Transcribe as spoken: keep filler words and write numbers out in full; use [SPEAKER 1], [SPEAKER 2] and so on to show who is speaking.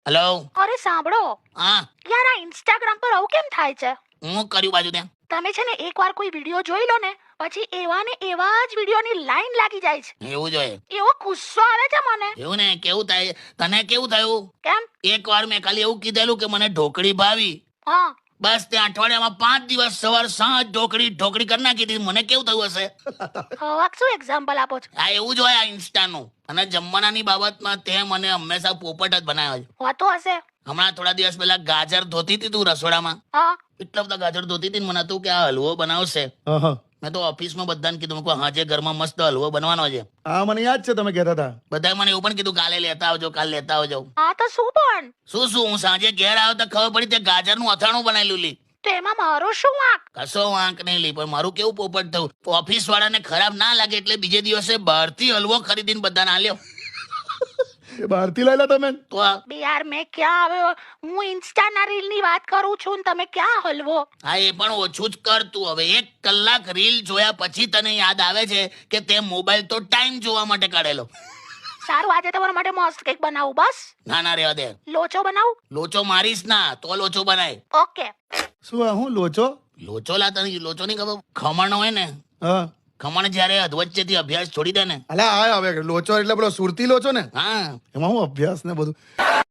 [SPEAKER 1] Hello.
[SPEAKER 2] અરે સાંભળો
[SPEAKER 1] હા,
[SPEAKER 2] યાર, આ ઇન્સ્ટાગ્રામ પર આવું કેમ થાય છે?
[SPEAKER 1] હું કર્યું બાજુ ત્યાં.
[SPEAKER 2] તમે છે ને એકવાર કોઈ વિડીયો જોઈ લો ને, પછી એવા ને એવા જ વિડીયોની લાઈન લાગી જાય છે.
[SPEAKER 1] એવું જોઈએ.
[SPEAKER 2] એવો ગુસ્સો આવે છે મને.
[SPEAKER 1] એવું ને, કેવું થાય તને? કેવું થયું?
[SPEAKER 2] કેમ?
[SPEAKER 1] એક વાર મેં ખાલી એવું કીધેલું કે મને ઢોકળી ભાવી,
[SPEAKER 2] હા,
[SPEAKER 1] બસ ત્યાં અઠવાડિયામાં પાંચ દિવસ સવાર સાંજ ઢોકળી ઢોકળી કરી નાખી હતી. મને કેવું થયું હશે?
[SPEAKER 2] હવે શું એક્ઝામ્પલ આપો છો?
[SPEAKER 1] આ એવું જ હોય આ ઇન્સ્ટાનું. અને જમવાનાની બાબતમાં તે મને હંમેશા પોપટ જ બનાવ્યો છે.
[SPEAKER 2] હોતો હશે.
[SPEAKER 1] હમણાં થોડા દિવસ પહેલા ગાજર ધોતી હતી તું રસોડામાં,
[SPEAKER 2] હા,
[SPEAKER 1] એટલા બધા ગાજર ધોતી હતી ને મને હતું કે આ હલવો બનાવશે. મેં તો ઓફિસમાં બધાને કીધું, મેં કહ્યું હાજે ઘરમાં મસ્ત હલવો બનવાનો છે.
[SPEAKER 3] હા મને યાદ છે તમે કહેતા હતા.
[SPEAKER 1] બધાએ મને એવું પણ કીધું કાલે લેતા આવજો, કાલે લેતા આવજો.
[SPEAKER 2] હા તો શું પણ?
[SPEAKER 1] શું શું હું સાંજે ઘેર આવ્યો તો ખબર પડી તે ગાજરનું અથાણું બનાવેલું લી.
[SPEAKER 2] તો એમાં મારો શું વાંક?
[SPEAKER 1] કશો વાંક નહીં લી, પણ મારું કેવું પોપટ થયું, ઓફિસ વાળાને ખરાબ ના લાગે એટલે બીજે દિવસે બહારથી હલવો ખરીદીને બધાને આલ્યો.
[SPEAKER 3] એ બહારથી લાયેલા તમે?
[SPEAKER 1] તો આ
[SPEAKER 2] બે યાર, મેં ક્યાં આવ્યો? હું ઇન્સ્ટાના રીલ ની વાત કરું છું ને તમે ક્યાં હલવો?
[SPEAKER 1] હા, એ પણ ઓછું જ કર તું હવે. એક કલાક રીલ જોયા પછી તને યાદ આવે છે કે તે મોબાઈલ તો ટાઈમ જોવા માટે કાઢેલો.
[SPEAKER 2] સારું, આજે તમારા માટે મસ્ત કેક બનાવું. બસ
[SPEAKER 1] ના ના રેવા દે.
[SPEAKER 2] લોચો બનાવું.
[SPEAKER 1] લોચો મારીશ ના તો લોચો બનાય.
[SPEAKER 2] ઓકે.
[SPEAKER 3] શું આ હું લોચો?
[SPEAKER 1] લોચો લા, તને લોચો નહીં ખબર? ખમણ હોય ને,
[SPEAKER 3] હા
[SPEAKER 1] ખમણ જયારે અધવચ્ચેથી અભ્યાસ છોડી દે ને.
[SPEAKER 3] અલા આ હવે લોચો એટલે પેલો સુરતી લોચો ને,
[SPEAKER 1] હા,
[SPEAKER 3] એમાં હું અભ્યાસ ને બધું.